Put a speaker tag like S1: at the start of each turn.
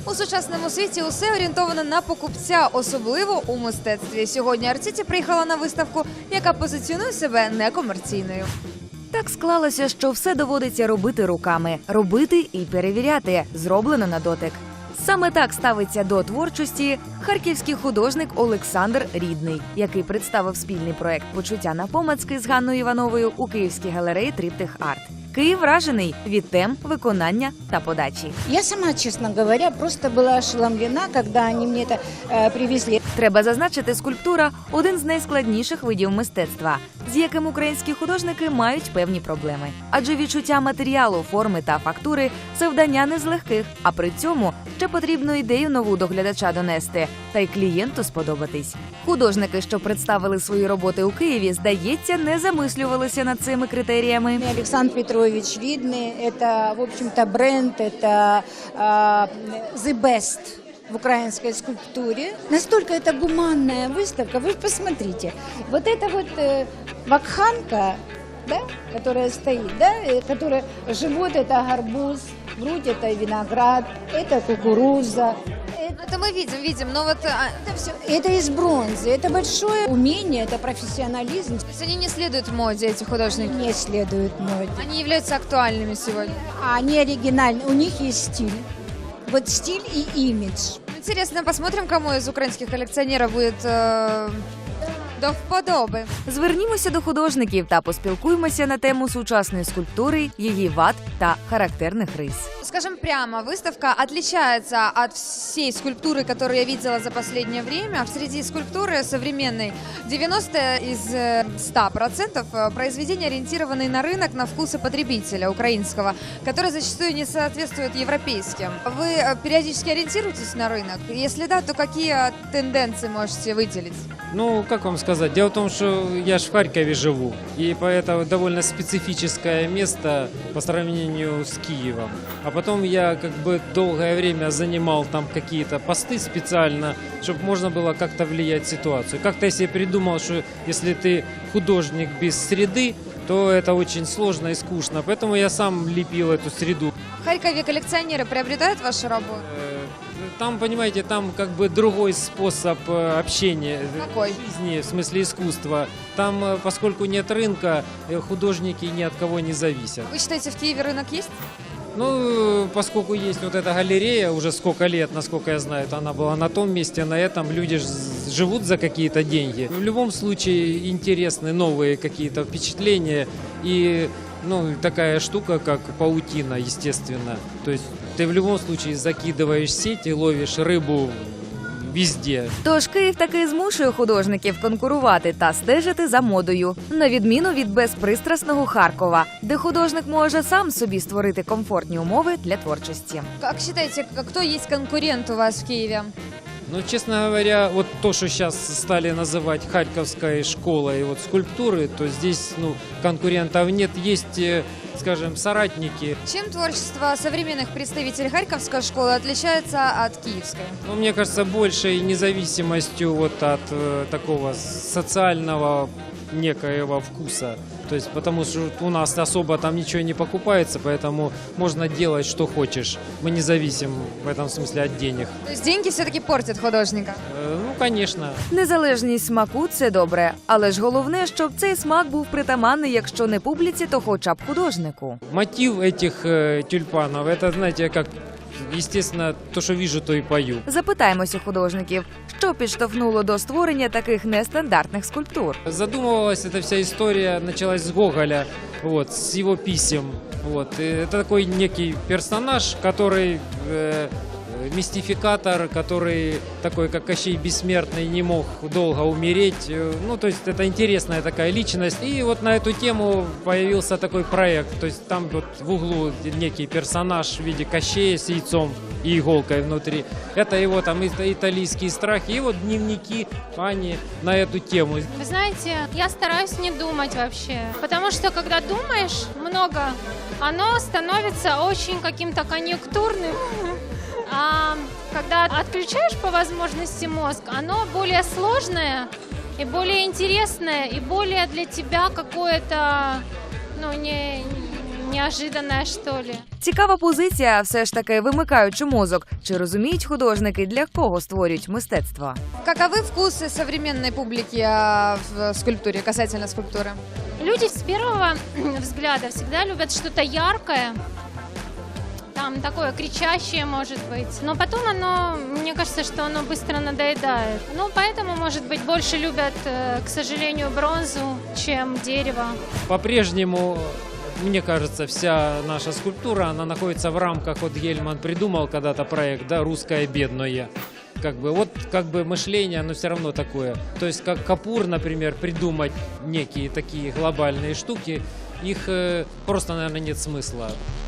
S1: У сучасному світі усе орієнтовано на покупця, особливо у мистецтві. Сьогодні Art City приїхала на виставку, яка позиціонує себе некомерційною. Так склалося, що все доводиться робити руками. Робити і перевіряти. Зроблено на дотик. Саме так ставиться до творчості харківський художник Олександр Рідний, який представив спільний проект «Почуття напомацки» з Ганною Івановою у Київській галереї «Триптих Арт». Київ вражений від тем, виконання та подачі.
S2: Я сама, честно говоря, просто была ошеломлена, когда они мне это привезли.
S1: Треба зазначити, скульптура – один з найскладніших видів мистецтва, з яким українські художники мають певні проблеми. Адже відчуття матеріалу, форми та фактури – завдання не з легких, а при цьому ще потрібно ідею нову до глядача донести та й клієнту сподобатись. Художники, що представили свої роботи у Києві, здається, не замислювалися над цими критеріями.
S2: Александр Петрович Видный, это, в общем-то, бренд, это the best в украинской скульптуре. Настолько это гуманная выставка, вы посмотрите. Вот это вот вакханка, да, которая стоит, да, которая живот это гарбуз, грудь это виноград, это кукуруза.
S1: Это мы видим, но вот...
S2: Это все, это из бронзы, это большое умение, это профессионализм.
S1: То есть они не следуют моде, эти художники?
S2: Не следует моде.
S1: Они являются актуальными сегодня?
S2: Они оригинальны, у них есть стиль. Вот стиль и имидж.
S1: Интересно, посмотрим, кому из украинских коллекционеров будет до вподоби. Звернімося до художників та поспілкуємося на тему сучасної скульптури, її вад та характерних рис. Скажем прямо, выставка отличается от всей скульптуры, которую я видела за последнее время. Среди скульптуры современной 90 из 100% произведения ориентированы на рынок, на вкусы потребителя украинского, который зачастую не соответствует европейским. Вы периодически ориентируетесь на рынок? Если да, то какие тенденции можете выделить?
S3: Ну, как вам сказать? Дело в том, что я ж в Харькове живу, и поэтому довольно специфическое место по сравнению с Киевом. А потом я как бы долгое время занимал там какие-то посты специально, чтобы можно было как-то влиять на ситуацию. Как-то я себе придумал, что если ты художник без среды, то это очень сложно и скучно. Поэтому я сам лепил эту среду.
S1: В Харькове коллекционеры приобретают вашу работу?
S3: Там, понимаете, там как бы другой способ общения.
S1: Какой?
S3: Жизни, в смысле искусства. Там, поскольку нет рынка, художники ни от кого не зависят.
S1: Вы считаете, в Киеве рынок есть?
S3: Ну, поскольку есть вот эта галерея, уже сколько лет, насколько я знаю, она была на том месте, на этом люди живут за какие-то деньги. В любом случае интересны новые какие-то впечатления и такая штука, как паутина, естественно. То есть ты в любом случае закидываешь сеть и ловишь рыбу везде.
S1: Тож Київ таки змушує художників конкурувати та стежити за модою, на відміну від безпристрасного Харкова, де художник може сам собі створити комфортні умови для творчості. Як вважаєте, хто є конкурент у вас в Києві?
S3: Ну, честно говоря, вот то, что сейчас стали называть Харьковской школой вот скульптуры, то здесь, конкурентов нет, есть, скажем, соратники.
S1: Чем творчество современных представителей Харьковской школы отличается от киевской?
S3: Ну, мне кажется, большей независимостью вот от такого социального некоего вкуса. То есть, потому что у нас особо там ничего не покупается, поэтому можно делать, что хочешь. Мы не зависим в этом смысле от денег.
S1: То есть деньги все-таки портят художника?
S3: Ну, конечно.
S1: Незалежність смаку – це добре. Але ж головне, щоб цей смак був притаманний, якщо не публіці, то хоча б художнику.
S3: Мотив этих тюльпанов, это, знаете, как, естественно, то, что вижу, то и пою.
S1: Запитаємося художників, що підштовхнуло до створення таких нестандартних скульптур.
S3: Задумывалась эта вся история, началась с Гоголя, вот, с его писем. Вот. И это такой некий персонаж, который мистификатор, который такой, как Кощей Бессмертный, не мог долго умереть. Ну, то есть это интересная такая личность. И вот на эту тему появился такой проект. То есть там вот в углу некий персонаж в виде Кощея с яйцом и иголкой внутри. Это его там итальянские страхи. И вот дневники Ани на эту тему.
S4: Вы знаете, я стараюсь не думать вообще. Потому что когда думаешь много, оно становится очень каким-то конъюнктурным. А когда отключаешь по возможности мозг, оно более сложное и более интересное, и более для тебя какое-то, неожиданное, что ли.
S1: Цікава позиція, все ж таки вимикаючи мозок. Чи розуміють художники, для кого створюють мистецтво?
S5: Каковы вкусы современной публики в скульптуре, касательно скульптуры?
S4: Люди с первого взгляда всегда любят что-то яркое, там такое кричащее, может быть. Но потом оно, мне кажется, что оно быстро надоедает. Ну, поэтому, может быть, больше любят, к сожалению, бронзу, чем дерево.
S3: По-прежнему, мне кажется, вся наша скульптура, она находится в рамках, вот Гельман придумал когда-то проект, да, «Русское бедное». Вот мышление, оно все равно такое. То есть как Капур, например, придумать некие такие глобальные штуки, их просто, наверное, нет смысла.